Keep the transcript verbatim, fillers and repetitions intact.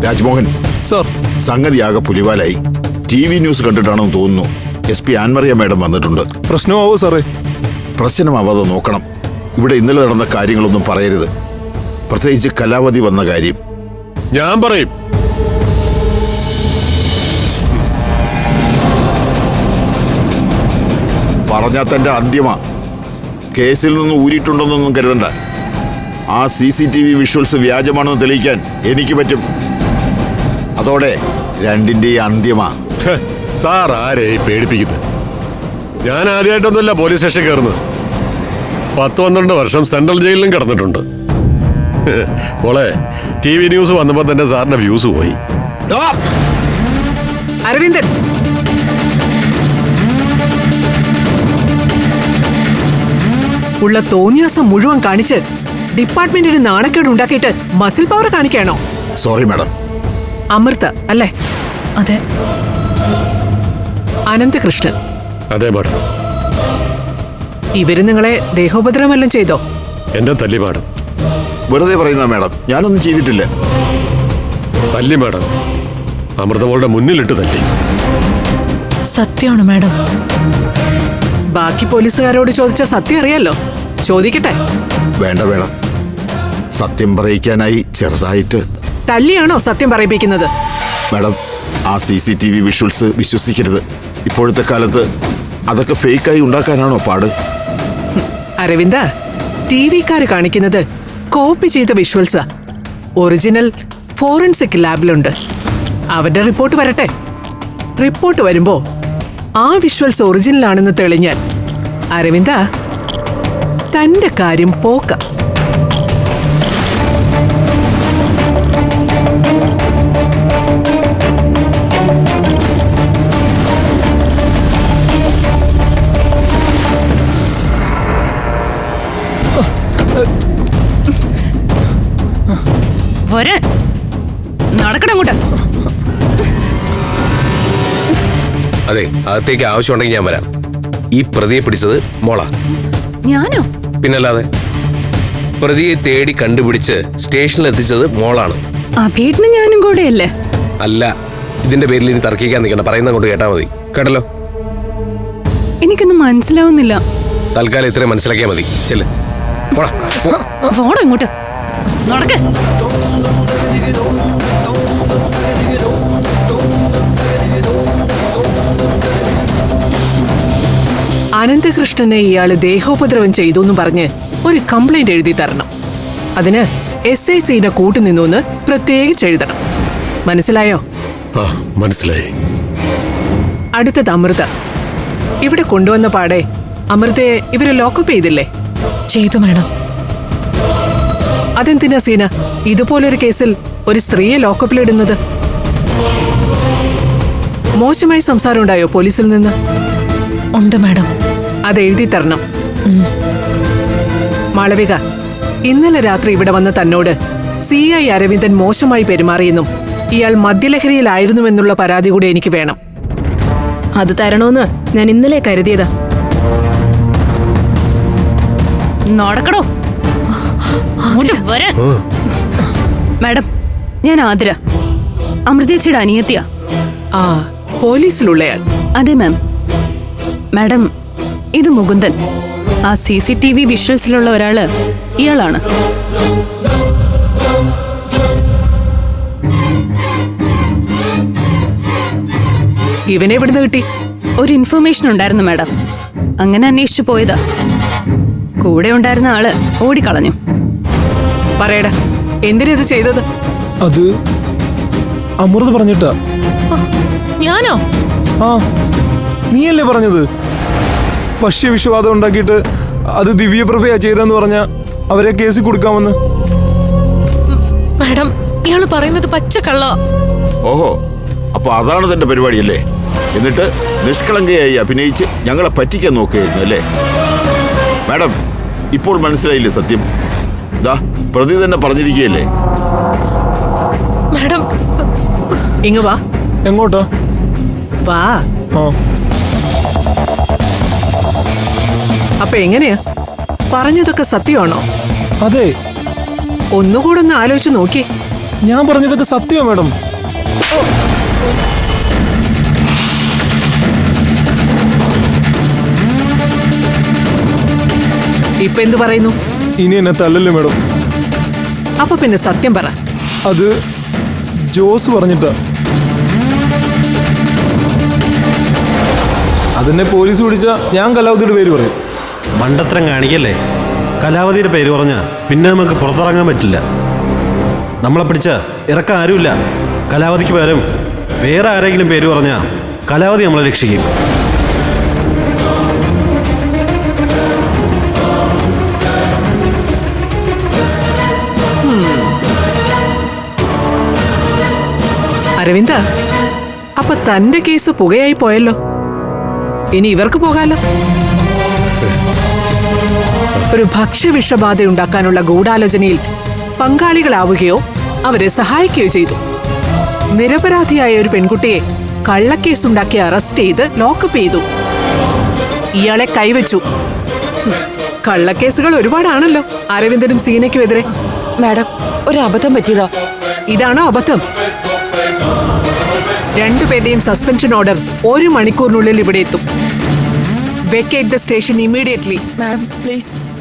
Rajmohan sir, സംഗതിയാകെ പുലിവാലായി. T V news കണ്ടിട്ടാണെന്ന് തോന്നുന്നു എസ് പി ആൻമറിയ മാഡം വന്നിട്ടുണ്ട്. പ്രശ്നമാവോ സാറേ? പ്രശ്നമാവാതെ നോക്കണം. ഇവിടെ ഇന്നലെ നടന്ന കാര്യങ്ങളൊന്നും പറയരുത്, പ്രത്യേകിച്ച് കലാവതി വന്ന കാര്യം. ഞാൻ പറയും. പറഞ്ഞാൽ തന്റെ അന്ത്യമാ. കേസിൽ നിന്ന് ഊരിയിട്ടുണ്ടെന്നൊന്നും കരുതണ്ട. ആ C C T V visuals വ്യാജമാണെന്ന് തെളിയിക്കാൻ എനിക്ക് പറ്റും. അതോടെ രണ്ടിന്റെയും അന്ത്യമാ. സാർ ആരെ പേടിപ്പിക്കുന്നത്? ഞാൻ ആദ്യമായിട്ടൊന്നുമല്ല പോലീസ് സ്റ്റേഷൻ കയറുന്നത്. പത്ത് പന്ത്രണ്ട് വർഷം സെൻട്രൽ ജയിലിലും കിടന്നിട്ടുണ്ട്. മോളെ, ടി വി ന്യൂസ് വന്നപ്പോ തന്നെ സാറിന്റെ വ്യൂസ് പോയി. അരവിന്ദൻ, ഉള്ള തോന്നിയാസം മുഴുവൻ കാണിച്ച് ഡിപ്പാർട്ട്മെന്റിന് നാണക്കേട് ഉണ്ടാക്കിയിട്ട് മസിൽ പവർ കാണിക്കാണോ? Sorry madam. അമൃത അല്ലേ? അതെ. അനന്തകൃഷ്ണൻ? അതെ മാഡം. ഇവര് നിങ്ങളെ ദേഹോപദ്രവമെല്ലാം ചെയ്തോ? എന്റെ തല്ലി മാഡം. വെറുതെ പറയുന്ന മാഡം, ഞാനൊന്നും ചെയ്തിട്ടില്ല. തല്ലി മാഡം, അമൃതമോളുടെ മുന്നിലിട്ട് തല്ലി. സത്യമാണ് മാഡം. ബാക്കി പോലീസുകാരോട് ചോദിച്ച സത്യം അറിയാലോ. ചോദിക്കട്ടെ? വേണ്ട വേണം. സത്യം പറയിക്കാനായി ചെറുതായിട്ട്. തല്ലിയാണോ സത്യം പറയിപ്പിക്കുന്നത്? മാഡം, ആ C C T V visuals വിശ്വസിക്കരുത്. ഇപ്പോഴത്തെ കാലത്ത് അതൊക്കെ ഫേക്കായി ഉണ്ടാക്കാനാണോ പാട്? അരവിന്ദ, ടി വിക്കാര് കാണിക്കുന്നത് കോപ്പി ചെയ്ത വിഷ്വൽസാ. Original forensic ലാബിലുണ്ട്. അവരുടെ റിപ്പോർട്ട് വരട്ടെ. റിപ്പോർട്ട് വരുമ്പോ ആ വിഷ്വൽസ് ഒറിജിനൽ ആണെന്ന് തെളിഞ്ഞാൽ അരവിന്ദ, തന്റെ കാര്യം പോക്ക. നടക്കണങ്ങോട്ട്. അതെ, അകത്തേക്ക് ആവശ്യമുണ്ടെങ്കിൽ ഞാൻ വരാം. ഈ പ്രതിയെ പിടിച്ചത് മോളാ. ഞാനോ? പിന്നല്ലാതെ. പ്രതിയെ തേടി കണ്ടുപിടിച്ച് സ്റ്റേഷനിൽ എത്തിച്ചത് മോളാണ്. അഭീട്ടിന് ഞാനും കൂടെയല്ലേ? അല്ല, ഇതിന്റെ പേരിൽ ഇനി തർക്കിക്കാൻ നിൽക്കണ്ട. പറയുന്ന കൊണ്ട് കേട്ടാ മതി. കേട്ടല്ലോ? എനിക്കൊന്നും മനസ്സിലാവുന്നില്ല. തൽക്കാലം ഇത്രയും മനസ്സിലാക്കിയാൽ മതി. ചെല്ല്, പോടാ. പോടാ ഇങ്ങോട്ട്. നടക്ക്. അനന്തകൃഷ്ണനെ ഇയാള് ദേഹോപദ്രവം ചെയ്തു എന്ന് പറഞ്ഞ് ഒരു കംപ്ലൈന്റ് എഴുതി തരണം. അതിന് എസ് ഐ സിനെ കൂട്ടുനിന്നു പ്രത്യേകിച്ച് എഴുതണം. മനസ്സിലായോ? ആ, മനസ്സിലായി. അടുത്തത് അമൃത. ഇവിടെ കൊണ്ടുവന്ന പാടെ അമൃതയെ ഇവര് ലോക്കപ്പ് ചെയ്തില്ലേ? ചെയ്തു മാഡം. അതെന്തിനാ സീന ഇതുപോലൊരു കേസിൽ ഒരു സ്ത്രീയെ ലോക്കപ്പിലിടുന്നത്? മോശമായി സംസാരം ഉണ്ടായോ പോലീസിൽ നിന്ന്? ഉണ്ട് മാഡം. അത് എഴുതി തരണം. മാളവിക, ഇന്നലെ രാത്രി ഇവിടെ വന്ന തന്നോട് സി ഐ അരവിന്ദൻ മോശമായി പെരുമാറിയെന്നും ഇയാൾ മദ്യലഹരിയിലായിരുന്നുവെന്നുള്ള പരാതി കൂടി എനിക്ക് വേണം. അത് തരണോന്ന് ഞാൻ ഇന്നലെ കരുതിയതാ. നടക്കണോ? മാഡം, ഞാൻ ആതിര, അമൃതേച്ചിയുടെ അനിയത്തിയാ. ആ, പോലീസിലുള്ളയാൾ? അതെ മാം. മാഡം, ഇത് മുകുന്ദൻ. ആ സി സി ടി വി വിഷ്വൽസിലുള്ള ഒരാള് ഇയാളാണ്. ഇവനെ എവിടുന്ന് കിട്ടി? ഒരു ഇൻഫർമേഷൻ ഉണ്ടായിരുന്നു മാഡം. അങ്ങനെ അന്വേഷിച്ചു പോയതാ. കൂടെ ഉണ്ടായിരുന്ന ആള് ഓടിക്കളഞ്ഞു. പറയടാ, എന്തിനാ ഇത് ചെയ്തത്? അത് അമൃത പറഞ്ഞിട്ടാ. ഞാനോ? ആ, നീയല്ലേ പറഞ്ഞത് ഭക്ഷ്യവിഷവാദം ഉണ്ടാക്കിയിട്ട് അത് ദിവ്യപ്രഭയാ ചെയ്തെന്ന് പറഞ്ഞ അവരെ കേസിൽ കൊടുക്കാമെന്ന്? മാഡം, ഇയാള് പറയുന്നത് പച്ചക്കള്ള. ഓഹോ, അപ്പൊ അതാണ് തന്റെ പരിപാടിയല്ലേ? എന്നിട്ട് നിഷ്കളങ്കയായി അഭിനയിച്ച് ഞങ്ങളെ പറ്റിക്കാൻ നോക്കുകയായിരുന്നു അല്ലേ? മാഡം, ഇപ്പോൾ മനസ്സിലായില്ലേ സത്യം? ദാ പ്രതി തന്നെ പറഞ്ഞിരിക്കുകയല്ലേ? മാഡം, ഇങ്ങ് വാ. എങ്ങോട്ടാ? വാ. ആ, അപ്പൊ എങ്ങനെയാ? പറഞ്ഞതൊക്കെ സത്യമാണോ? അതെ. ഒന്നുകൂടെ ഒന്ന് ആലോചിച്ച് നോക്കി. ഞാൻ പറഞ്ഞതൊക്കെ സത്യമാണ് മാഡം. ഇപ്പൊ എന്ത് പറയുന്നു? ഇനി എന്നെ തല്ലല്ലേ മാഡം. അപ്പൊ പിന്നെ സത്യം പറ. അത് ജോസ് പറഞ്ഞിട്ടാ. അതെന്നെ പോലീസ് പിടിച്ചാ ഞാൻ കലാവതിയുടെ പേര് പറയും. മണ്ടത്തരം കാണിക്കല്ലേ. കലാവതിയുടെ പേര് പറഞ്ഞാ പിന്നെ നമുക്ക് പുറത്തിറങ്ങാൻ പറ്റില്ല. നമ്മളെ പിടിച്ച ഇറക്കാൻ ആരുമില്ല. കലാവതിക്ക് പകരം വേറെ ആരെങ്കിലും പേര് പറഞ്ഞാ കലാവതി നമ്മളെ രക്ഷിക്കും. അരവിന്ദ, അപ്പൊ തന്റെ കേസ് പുകയായി പോയല്ലോ. ഇനി ഇവർക്ക് പോകാലോ. ഒരു ഭക്ഷ്യവിഷബാധ ഉണ്ടാക്കാനുള്ള ഗൂഢാലോചനയിൽ പങ്കാളികളാവുകയോ അവരെ സഹായിക്കുകയോ ചെയ്തു. നിരപരാധിയായ ഒരു പെൺകുട്ടിയെ കള്ളക്കേസുണ്ടാക്കി അറസ്റ്റ് ചെയ്ത് ലോക്കപ്പ് ചെയ്തു. ഇയാളെ കൈവച്ചു. കള്ളക്കേസുകൾ ഒരുപാടാണല്ലോ അരവിന്ദനും സീനയ്ക്കും എതിരെ. മാഡം, ഒരു അബദ്ധം പറ്റിയതാ. ഇതാണോ അബദ്ധം? രണ്ടുപേരുടെയും സസ്പെൻഷൻ ഓർഡർ ഒരു മണിക്കൂറിനുള്ളിൽ ഇവിടെ എത്തും. Vacate the station immediately. Madam please.